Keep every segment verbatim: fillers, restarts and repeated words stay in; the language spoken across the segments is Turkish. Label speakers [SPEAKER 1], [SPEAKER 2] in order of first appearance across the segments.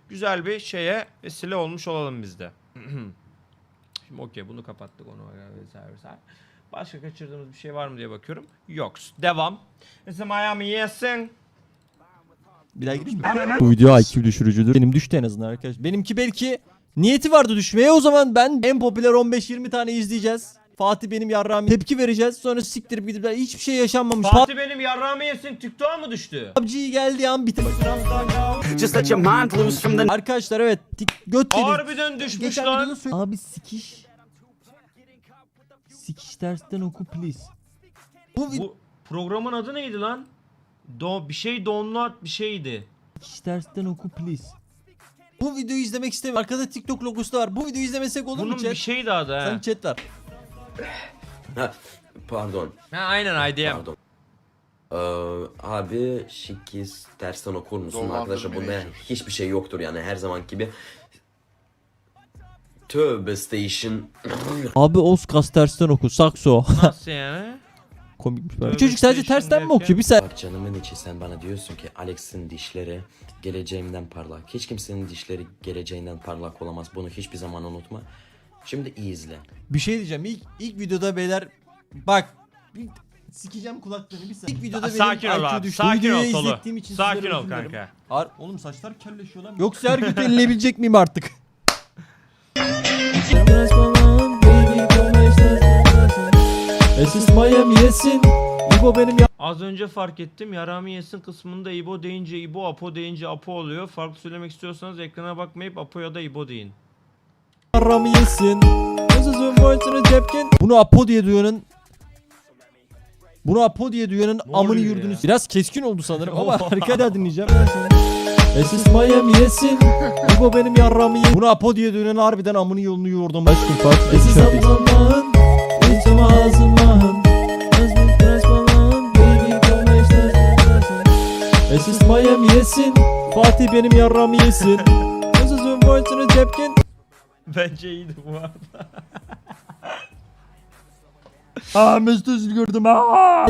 [SPEAKER 1] güzel bir şeye vesile olmuş olalım biz de. Şimdi okey, bunu kapattık, onu vesaire vesaire. Başka kaçırdığımız bir şey var mı diye bakıyorum. Yok. Devam. Mesela Miami yesin.
[SPEAKER 2] Bir daha gireyim mi? Bu video I Q düşürücüdür. Benim düştü en azından arkadaşlar. Benimki belki niyeti vardı düşmeye. O zaman ben en popüler on beş yirmi tane izleyeceğiz. Fatih benim yarrağımı tepki vereceğiz. Sonra siktirip gidip hiçbir şey yaşanmamış.
[SPEAKER 1] Fatih benim yarrağımı yesin, TikTok'a mı düştü?
[SPEAKER 2] P U B G geldiği an bitir.
[SPEAKER 3] Just let your mind loose from the
[SPEAKER 2] Arkadaşlar evet. Göt dedik.
[SPEAKER 1] Harbiden düşmüş
[SPEAKER 2] Geçen
[SPEAKER 1] lan.
[SPEAKER 2] videoda söyle- Abi sikiş. Sikiş tersten oku please. Bu, bu...
[SPEAKER 1] Bu programın adı neydi lan? Do bir şey download bir şeydi.
[SPEAKER 2] Sikiş tersten oku please. Bu videoyu izlemek istemiyorum. Arkada TikTok logosu da var. Bu videoyu izlemesek olur
[SPEAKER 1] Bunun
[SPEAKER 2] mu chat?
[SPEAKER 1] bir şeydi adı ha.
[SPEAKER 2] Sen chat var.
[SPEAKER 4] Ha, pardon.
[SPEAKER 1] Ha aynen I D M.
[SPEAKER 4] Pardon. Ee, abi şikiz tersten okur musun
[SPEAKER 5] Dolandırmaya
[SPEAKER 4] arkadaşlar, bunda
[SPEAKER 5] çalışıyor.
[SPEAKER 4] hiçbir şey yoktur yani, her zaman gibi. Tövbe station.
[SPEAKER 2] Abi Oskas tersten oku. Sakso.
[SPEAKER 1] Nasıl yani?
[SPEAKER 2] Komikmiş
[SPEAKER 1] Tövbe
[SPEAKER 2] böyle. Çocuk sadece
[SPEAKER 1] station
[SPEAKER 2] tersten mi
[SPEAKER 1] derken?
[SPEAKER 2] okuyor? Bir sen.
[SPEAKER 4] Bak canımın içi, sen bana diyorsun ki Alex'in dişleri geleceğimden parlak. Hiç kimsenin dişleri geleceğinden parlak olamaz. Bunu hiçbir zaman unutma. Şimdi iyi izle.
[SPEAKER 2] Bir şey diyeceğim. İlk ilk videoda beyler bak bir sikeceğim kulaklarını bir saniye. İlk videoda benim
[SPEAKER 1] Sakin ol
[SPEAKER 2] I Q
[SPEAKER 1] abi.
[SPEAKER 2] düştü. Bu
[SPEAKER 1] Sakin
[SPEAKER 2] videoyu
[SPEAKER 1] ol Tolu.
[SPEAKER 2] izlettiğim için
[SPEAKER 1] Sakin
[SPEAKER 2] sizlere
[SPEAKER 1] ol
[SPEAKER 2] özür dilerim.
[SPEAKER 1] kanka.
[SPEAKER 2] Ar oğlum saçlar kelleşiyor lan. Yoksa her gün elleyebilecek miyim artık? Esis Miami yesin. İbo benim ya.
[SPEAKER 1] Az önce fark ettim. Yarami yesin kısmında İbo deyince İbo, Apo deyince Apo oluyor. Farklı söylemek istiyorsanız ekrana bakmayıp Apo ya da İbo deyin.
[SPEAKER 2] Yarami yesin. Sözün boyutunu cepken. Bunu Apo diye duyanın Bunu Apo diye duyanın
[SPEAKER 1] Ne
[SPEAKER 2] amını
[SPEAKER 1] oluyor
[SPEAKER 2] yurdunu.
[SPEAKER 1] ya?
[SPEAKER 2] Biraz keskin oldu sanırım ama arkada dinleyeceğim. Esis Miami yesin. İbo benim yarrağımı yesin. Bunu Apo diye duyanın harbiden amını yolunu yordum. Aşkım Fatih. Esis Allah'ın. İçim ağzımdan. Esis Miami yesin. Fatih benim yarrağımı yesin. Sözün boyutunu cepken.
[SPEAKER 1] Bence iyiydi bu arada.
[SPEAKER 2] Aa Mesut Özil gördüm aa.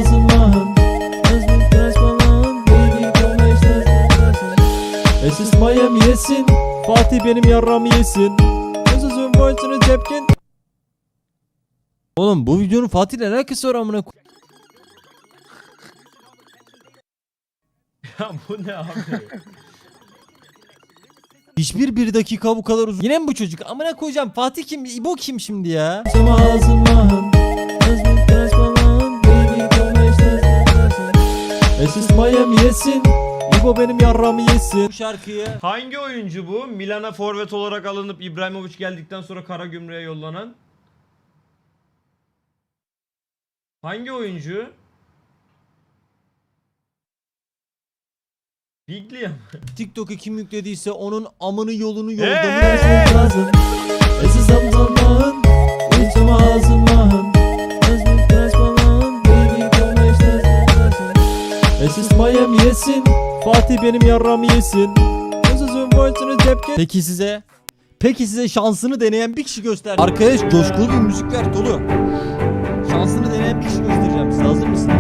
[SPEAKER 2] Esis Miami yesin. Fatih benim yarrağımı yesin. Sözün boyutunu cepken. Oğlum bu videonun Fatih'le alakası var amına.
[SPEAKER 1] Ya bu ne abi?
[SPEAKER 2] Hiçbir bir dakika bu kadar uzun. Yine mi bu çocuk? Amına koyacağım. Fatih kim? İbo kim şimdi ya? Esis Miami yesin. İbo benim yarrağımı yesin. Bu şarkıyı
[SPEAKER 1] Hangi oyuncu bu? Milan'a forvet olarak alınıp İbrahimovic geldikten sonra Karagümrük'e yollanan. Hangi oyuncu? Biglia mı?
[SPEAKER 2] TikTok'a kim yüklediyse onun amını yolunu
[SPEAKER 1] Hey,
[SPEAKER 2] yoldan
[SPEAKER 1] hey, hey!
[SPEAKER 2] lazım. Esis Allah'ın. İçim ağzımdan. Esis Miami yesin. Fatih benim yarrağımı yesin. Sözün boyutunu cepken. Peki size Peki size şansını deneyen bir kişi göster. Arkadaş coşkulu bir müzik ver Tolu. Şansını deneyen bir kişi göstereceğim. Siz hazır mısınız?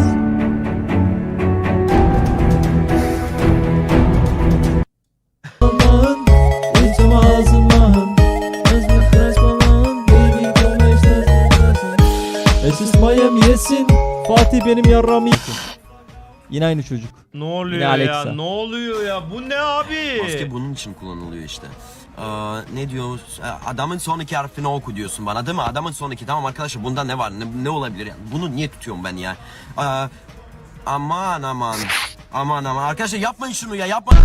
[SPEAKER 2] Allah'ın içim ağzımdan. Esis Miami yesin. Fatih benim yarrağımı yesin. Yine aynı çocuk.
[SPEAKER 1] Ne oluyor
[SPEAKER 2] Yine
[SPEAKER 1] ya?
[SPEAKER 2] Alexa.
[SPEAKER 1] Ne oluyor ya? Bu ne abi?
[SPEAKER 6] Maske bunun için kullanılıyor işte. Ee, ne diyor? Adamın sonraki harfini oku diyorsun bana değil mi? Adamın sonraki, tamam arkadaşlar, bunda ne var? Ne, ne olabilir yani? Bunu niye tutuyorum ben ya? Ee, aman aman. Aman aman. Arkadaşlar yapmayın şunu ya, yapmayın.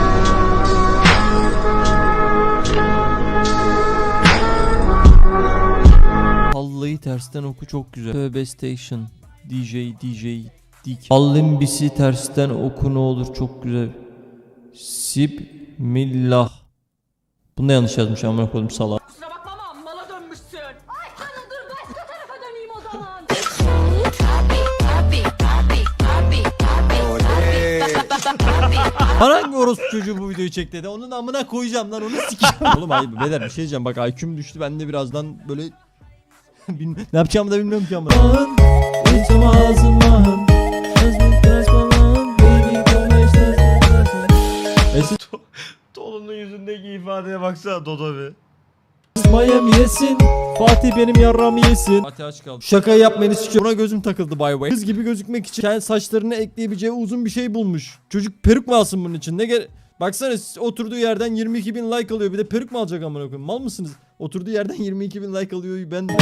[SPEAKER 2] Vallahi tersten oku çok güzel. Tövbe Station. D J D J Dik. Allimbisi tersten oku ne olur çok güzel. Sibmillah. Bunu da yanlış yazmış amına koydum salak.
[SPEAKER 7] Kusura bakma ama mala dönmüşsün. Ay canım dur başka tarafa döneyim o zaman.
[SPEAKER 2] Bana hangi orospu çocuğu bu videoyu çek dedi. Onun amına koyacağım lan, onu sikeceğim. Oğlum hayır beyler bir şey diyeceğim, bak I Q'm düştü, ben de birazdan böyle Bilmi- ne yapacağımı da bilmiyorum ki amına.
[SPEAKER 1] Tolu Tolu'nun yüzündeki ifadeye baksana Dodo bir.
[SPEAKER 2] Miami yesin. Fatih benim yarramı yesin. Fatih aç kaldı. Şaka yapmayın istiyor. Buna gözüm takıldı by the way. Kız gibi gözükmek için kendi saçlarına ekleyebileceği uzun bir şey bulmuş. Çocuk peruk mu alsın bunun için? Ne gere... Baksana oturduğu yerden yirmi iki bin like alıyor. Bir de peruk mu alacak amına koyayım? Mal mısınız? Oturduğu yerden yirmi iki bin like alıyor. Ben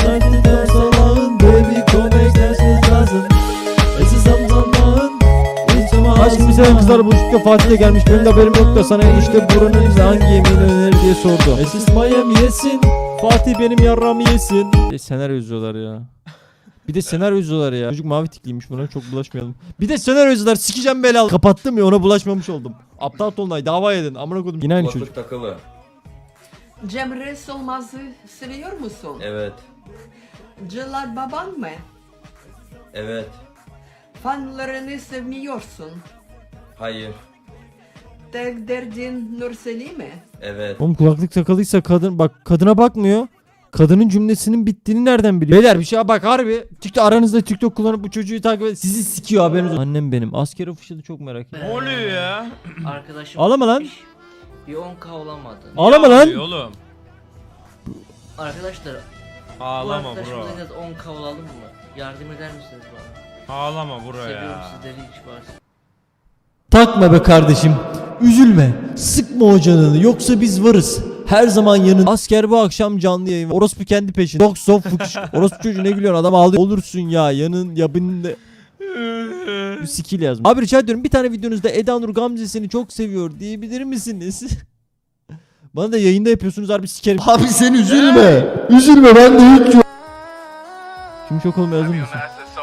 [SPEAKER 2] Aşkım seven kızlar buluştukta Fatih de gelmiş. Benim de haberim yok da sana işte buranın hangi yemeğini önerir diye sordu. Esis Miami yesin. Fatih benim yarramı yesin. Bir de senaryo yazıyorlar ya. Bir de senaryo yazıyorlar ya. Çocuk mavi tikliymiş, buna çok bulaşmayalım. Bir de senaryo yazıyorlar, sikeceğim belalı. Kapattım ya, ona bulaşmamış oldum. Aptal Tolunay dava edin. Amına koydum. Yine aynı çocuk.
[SPEAKER 5] takılı.
[SPEAKER 8] Cemre Solmaz'ı seviyor musun?
[SPEAKER 5] Evet.
[SPEAKER 8] Celal baban mı?
[SPEAKER 5] Evet.
[SPEAKER 8] Fanlarını sevmiyorsun.
[SPEAKER 5] Hayır.
[SPEAKER 8] Tek derdin Nurseli mi?
[SPEAKER 5] Evet.
[SPEAKER 2] Oğlum kulaklık takılıysa kadın bak, kadına bakmıyor. Kadının cümlesinin bittiğini nereden biliyor? Beyler bir şey bak harbi. TikTok aranızda TikTok kullanıp bu çocuğu takip et. Sizi sikiyor haberiniz olsun. Annem benim. Asker ofişi çok merak ediyorum.
[SPEAKER 1] Ne oluyor ya?
[SPEAKER 9] Arkadaşım
[SPEAKER 2] Ağlama lan.
[SPEAKER 9] gitmiş, bir on k olamadı.
[SPEAKER 2] Ağlama
[SPEAKER 1] Ne
[SPEAKER 2] lan.
[SPEAKER 1] oluyor oğlum?
[SPEAKER 9] Arkadaşlar bu
[SPEAKER 1] Ağlama
[SPEAKER 9] arkadaşımıza
[SPEAKER 1] bro.
[SPEAKER 9] en az on k olalım mı? Yardım eder misiniz bana?
[SPEAKER 1] Ağlama bro
[SPEAKER 9] Seviyorum
[SPEAKER 1] ya.
[SPEAKER 9] sizleri hiç varsa.
[SPEAKER 2] Takma be kardeşim. Üzülme. Sıkma o canını. Yoksa biz varız. Her zaman yanın. Asker bu akşam canlı yayın. Orospu kendi peşinde. Yok sof fıkış. Orospu çocuğu ne gülüyorsun? Adam ağlıyor. Olursun ya. Yanın yabında. Bir skill yazmış. Abi rica ediyorum bir tane videonuzda Eda Nur Gamze seni çok seviyor diyebilir misiniz? Bana da yayında yapıyorsunuz harbi sikerim. Abi sen üzülme. Üzülme ben de hiç yok. Şimdi çok olmaya hazır mısın?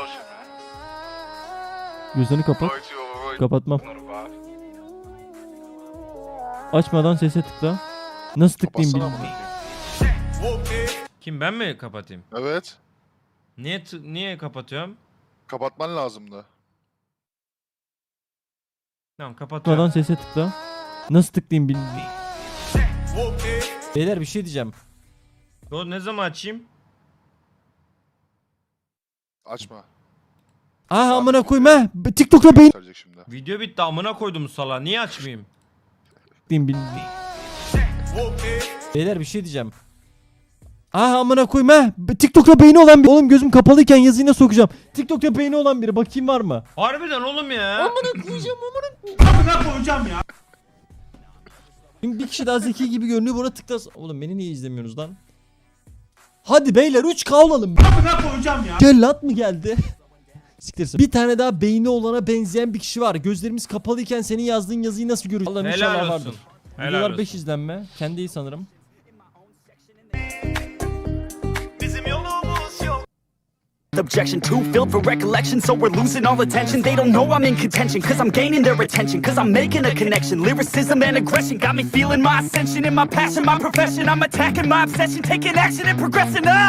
[SPEAKER 2] Gözlerini kapat. Kapatmam. Açmadan sese tıkla. Nasıl tıklayayım bilmiyorum.
[SPEAKER 1] Kim, ben mi kapatayım?
[SPEAKER 10] Evet.
[SPEAKER 1] Niye t- niye kapatıyorum?
[SPEAKER 10] Kapatman lazımdı.
[SPEAKER 1] Tamam kapatıyorum.
[SPEAKER 2] Açmadan sese tıkla. Nasıl tıklayayım bilmiyorum. Beyler bir şey diyeceğim.
[SPEAKER 1] Yo, ne zaman açayım?
[SPEAKER 10] Açma.
[SPEAKER 2] Ah amına koyayım ha. TikTok'ta beyin
[SPEAKER 10] Gösterecek şimdi.
[SPEAKER 1] Video bitti, amına koydum sala. Niye açmayayım?
[SPEAKER 2] tıklayayım bilmiyorum. Beyler bir şey diyeceğim. Ah amına koyayım ha. TikTok'ta beyni olan bir. Oğlum gözüm kapalıyken yazıyı nasıl okuyacağım? TikTok'ta beyni olan biri. Bakayım var mı?
[SPEAKER 1] Harbiden oğlum ya.
[SPEAKER 2] Amına koyacağım amına. Amına koyacağım ya. Şimdi bir kişi daha zeki gibi görünüyor, buna tıklas. Oğlum beni niye izlemiyorsunuz lan? Hadi beyler üç K olalım. Amına koyacağım ya. Cellat mı geldi? Siktirsin. Bir tane daha beyni olana benzeyen bir kişi var. Gözlerimiz kapalıyken senin yazdığın yazıyı nasıl görüyoruz? Allah'ım
[SPEAKER 1] Helal
[SPEAKER 2] inşallah
[SPEAKER 1] olsun.
[SPEAKER 2] vardır.
[SPEAKER 1] Helal
[SPEAKER 2] Videolar
[SPEAKER 1] olsun.
[SPEAKER 2] beş izlenme. Kendi iyi sanırım.
[SPEAKER 3] Objection too filled for recollection, so we're losing all attention. They don't know I'm in contention, cause I'm gaining their attention, cause I'm making a connection. Lyricism and aggression got me feeling my ascension in my passion, my profession. I'm attacking my obsession, taking action and progressing. Ah!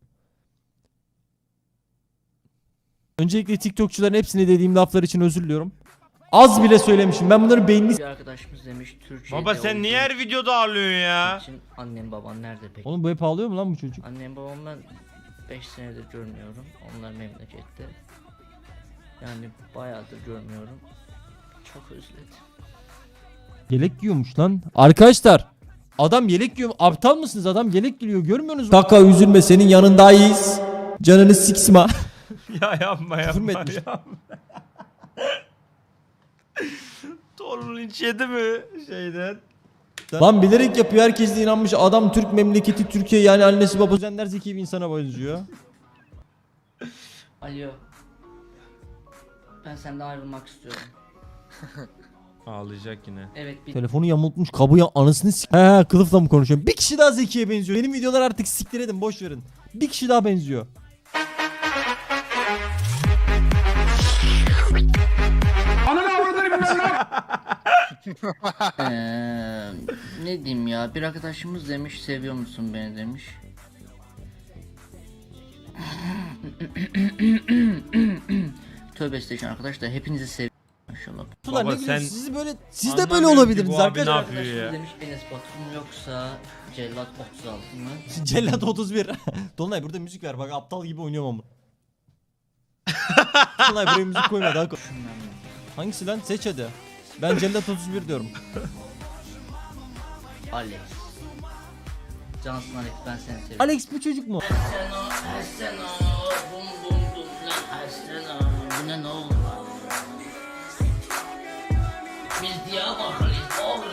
[SPEAKER 2] Öncelikle TikTokçuların hepsine dediğim laflar için özür diliyorum. Az bile söylemişim. Ben bunların beynini...
[SPEAKER 9] Bir arkadaşımız demiş Türkiye'de
[SPEAKER 1] Baba sen niye her videoda ağlıyorsun ya?
[SPEAKER 9] için annem baban nerede peki?
[SPEAKER 2] Oğlum bu hep ağlıyor mu lan bu çocuk?
[SPEAKER 9] Annem babam ben beş senedir görmüyorum. Onlar memlekette. Yani bayağıdır görmüyorum. Çok özledim.
[SPEAKER 2] Yelek giyiyormuş lan. Arkadaşlar adam yelek giyiyor. Aptal mısınız? Adam yelek giyiyor. Görmüyorsunuz mu? Kaka üzülme, senin yanındayız. Canını siksma.
[SPEAKER 1] Ya yapma
[SPEAKER 2] Küfür mü
[SPEAKER 1] yapma
[SPEAKER 2] etmiş?
[SPEAKER 1] yapma. Torun hiç yedi mi şeyden?
[SPEAKER 2] Lan bilerek yapıyor. Herkes de inanmış. Adam Türk memleketi Türkiye, yani annesi babası. Zenler zeki bir insana benziyor.
[SPEAKER 9] Alo. Ben senden ayrılmak istiyorum.
[SPEAKER 1] Ağlayacak yine.
[SPEAKER 9] Evet bir
[SPEAKER 2] Telefonu yamultmuş. Kabuya anasını sik. He kılıfla mı konuşuyorum? Bir kişi daha zekiye benziyor. Benim videolar artık siktir edin. Boş verin. Bir kişi daha benziyor.
[SPEAKER 9] Eee, ne diyeyim ya, bir arkadaşımız demiş seviyor musun beni demiş. Tövbe estağfurullah arkadaşlar, hepinizi seviyorum maşallah.
[SPEAKER 2] Ulan
[SPEAKER 1] Baba
[SPEAKER 2] ne güzel,
[SPEAKER 1] sen
[SPEAKER 2] siz böyle siz de böyle
[SPEAKER 1] anlamıyorum ki
[SPEAKER 2] olabilirsiniz
[SPEAKER 1] bu abi ne
[SPEAKER 2] arkadaşlar.
[SPEAKER 1] yapıyor ya?
[SPEAKER 9] Arkadaşımız demiş Enes Batur mu yoksa Cellat otuz altı mı?
[SPEAKER 2] Cellat otuz bir. Dolunay burada müzik ver, bak aptal gibi oynuyorum ama. Dolunay buraya müzik koyma daha koy. Hangisi lan? Seç hadi. Ben Cellat otuz bir diyorum.
[SPEAKER 9] Alex. Cansın Alex, ben seni seviyorum.
[SPEAKER 2] Alex bu çocuk mu?
[SPEAKER 9] Seno, her seno, bum bum bum lan her seno. Bu ne ne oldu? Biz Diyarbakır'ız oğlum.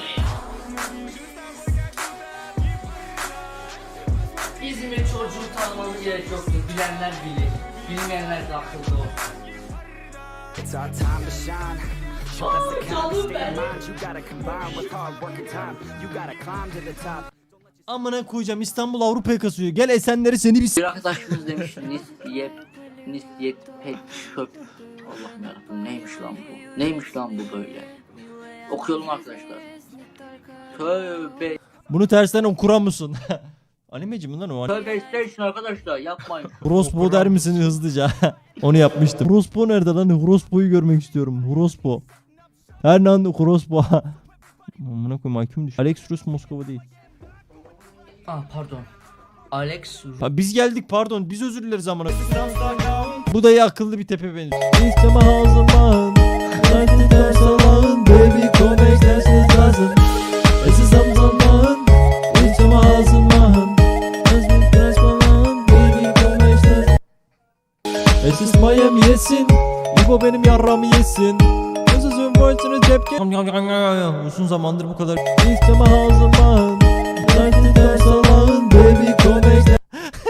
[SPEAKER 9] İzmir çocuğu tanımamız gerek yoktur. Bilenler bilir. Bilmeyenler de akıllı olsun.
[SPEAKER 3] It's our time to shine. Show us the kind of
[SPEAKER 9] canım
[SPEAKER 3] state
[SPEAKER 9] benim.
[SPEAKER 3] of mind you gotta combine with hard work and time. You gotta climb to the top.
[SPEAKER 2] Amına koyacağım, İstanbul Avrupa'ya kasıyor. Gel Esenler'i seni bir s-
[SPEAKER 9] Bir arkadaşımız demiş nispiyet, nispiyet pek çöp. Allah'ım yarabbim, neymiş lan bu? Neymiş lan bu böyle? Okuyalım arkadaşlar. Tövbe.
[SPEAKER 2] Bunu tersten okuran mısın? Animeci mi lan o?
[SPEAKER 9] Tövbe istersin arkadaşlar, yapmayın.
[SPEAKER 2] Horospo der misin hızlıca? Onu yapmıştım. Horospo nerede lan? Horospo'yu görmek istiyorum. Horospo. Hernando Horospo. Amına koyayım, I Q'm düştü. Alex Rus Moskova değil.
[SPEAKER 9] Ah pardon. Alex
[SPEAKER 2] Ha, biz geldik, pardon, biz özür dileriz amına. Bu da iyi akıllı bir tepe benziyor. İsteme hazırlan. Hadi ders alın. Baby come dersiniz lazım. Esiz zamzaman. İsteme hazırlan. Hadi ders alın. Baby come dersiniz. Esiz Miami yesin. İbo benim yarramı yesin. Sözün boyutunu tepki. Uzun zamandır bu kadar. İsteme hazırlan. Hadi ders alın. Baby come.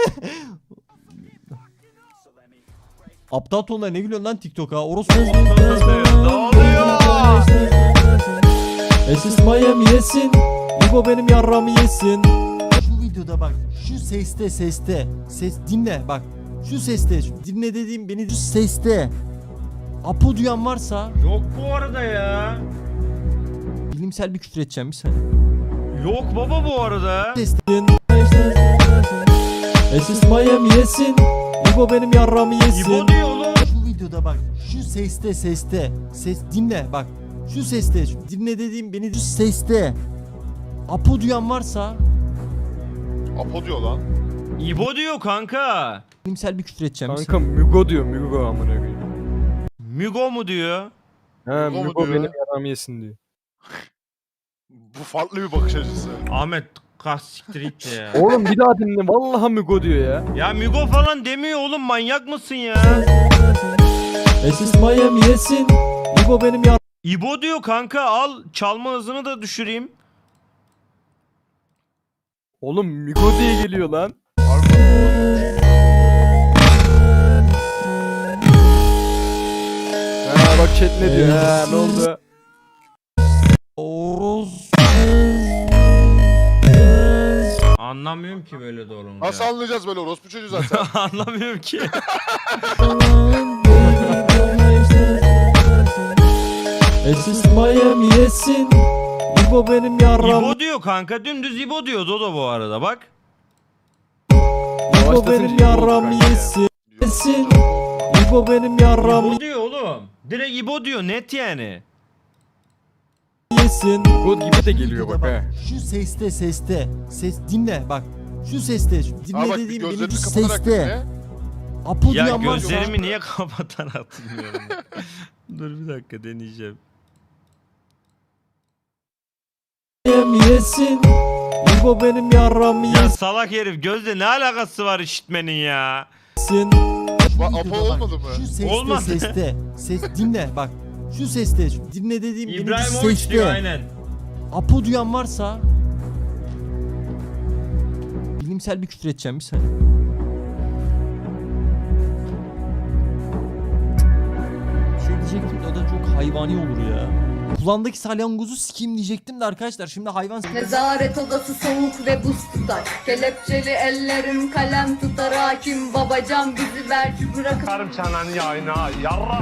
[SPEAKER 2] Aptal tonlar ne gülüyorsun lan TikTok'a? Orospu.
[SPEAKER 1] Ne oluyor?
[SPEAKER 2] Esis Miami yesin. İbo benim yarramı yesin. Şu videoda bak. Şu seste seste. Ses dinle bak. Şu seste. Şu dinle dediğim beni şu seste. Apo duyan varsa
[SPEAKER 1] Yok bu arada ya.
[SPEAKER 2] bilimsel bir küfür edeceğim bir saniye.
[SPEAKER 1] Yok baba bu arada.
[SPEAKER 2] Sestin. Esis Miami yesin. İbo benim yarramı yesin.
[SPEAKER 1] İbo diyor oğlum.
[SPEAKER 2] Şu videoda bak. Şu seste seste. Ses dinle bak. Şu seste. Şu dinle dediğim beni şu seste. Apo duyan varsa
[SPEAKER 10] Apo diyor lan.
[SPEAKER 1] İbo diyor kanka.
[SPEAKER 2] bilimsel bir küfür edeceğim. bir
[SPEAKER 11] Kanka
[SPEAKER 2] saniye.
[SPEAKER 11] Mügo diyor Mügo amına koyayım.
[SPEAKER 1] Mügo mu diyor?
[SPEAKER 11] Ha
[SPEAKER 10] Mügo mu
[SPEAKER 11] Mügo
[SPEAKER 10] diyor?
[SPEAKER 11] benim yaramı yesin diyor.
[SPEAKER 10] Bu farklı bir bakış açısı.
[SPEAKER 1] Ahmet kas siktir git de ya.
[SPEAKER 11] Oğlum bir daha dinle vallahi Mügo diyor ya.
[SPEAKER 1] Ya Mügo falan demiyor oğlum, manyak mısın ya?
[SPEAKER 2] Esis Miami yesin. İbo benim yar...
[SPEAKER 1] İbo diyor kanka, al çalma hızını da düşüreyim.
[SPEAKER 11] Oğlum Mügo diye geliyor lan. Ha bak chat ne diyor ha ne oldu?
[SPEAKER 2] Oros.
[SPEAKER 1] Anlamıyorum ki böyle doğrulunca.
[SPEAKER 10] Nasıl anlayacağız böyle orospu çocuğu zaten?
[SPEAKER 1] Anlamıyorum ki.
[SPEAKER 2] Esis Miami yesin. İbo benim yarram.
[SPEAKER 1] İbo diyor kanka, dümdüz İbo diyor Dodo bu arada bak.
[SPEAKER 2] İbo benim yarram yesin. Yesin. İbo benim yarram
[SPEAKER 1] İbo diyor oğlum. Direkt İbo diyor, net yani.
[SPEAKER 2] yesin.
[SPEAKER 11] Mügo gibi de geliyor bak ha.
[SPEAKER 2] Şu seste seste. Ses dinle bak. Şu seste. Şu dinle
[SPEAKER 10] Aa bak bir
[SPEAKER 2] dediğim benim
[SPEAKER 10] gözlerini
[SPEAKER 2] şu
[SPEAKER 10] kapatarak
[SPEAKER 2] seste.
[SPEAKER 10] dinle.
[SPEAKER 2] Apo
[SPEAKER 1] Ya
[SPEAKER 2] duyan varsa.
[SPEAKER 1] gözlerimi niye kapatan hatırlıyorum. Dur bir dakika deneyeceğim.
[SPEAKER 2] Miami yesin. İbo benim yarram
[SPEAKER 1] Ya salak herif, gözle ne alakası var işitmenin ya?
[SPEAKER 2] yesin.
[SPEAKER 10] Bak Apo olmadı mı?
[SPEAKER 2] Şu seste
[SPEAKER 1] Olmadı.
[SPEAKER 2] seste. Ses dinle bak. Şu seste. Şu dinle dediğim benim şu
[SPEAKER 1] İbrahimovic
[SPEAKER 2] seste.
[SPEAKER 1] diyor aynen.
[SPEAKER 2] Apo duyan varsa bilimsel bir küfür edeceğim bir saniye. Bir şey diyecektim de o da çok hayvani olur ya. Kulağındaki salyangozu sikeyim diyecektim de arkadaşlar şimdi hayvan
[SPEAKER 7] Nezaret odası soğuk ve buz tutar. Kelepçeli ellerim kalem tutar. Hakim babacan bizi belki bırakıp
[SPEAKER 1] Karım çanan yayına yarra.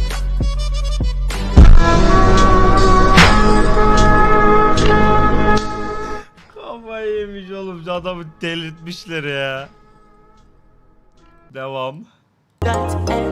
[SPEAKER 1] Kafayı yemiş oğlum, adamı delirtmişler ya. Devam.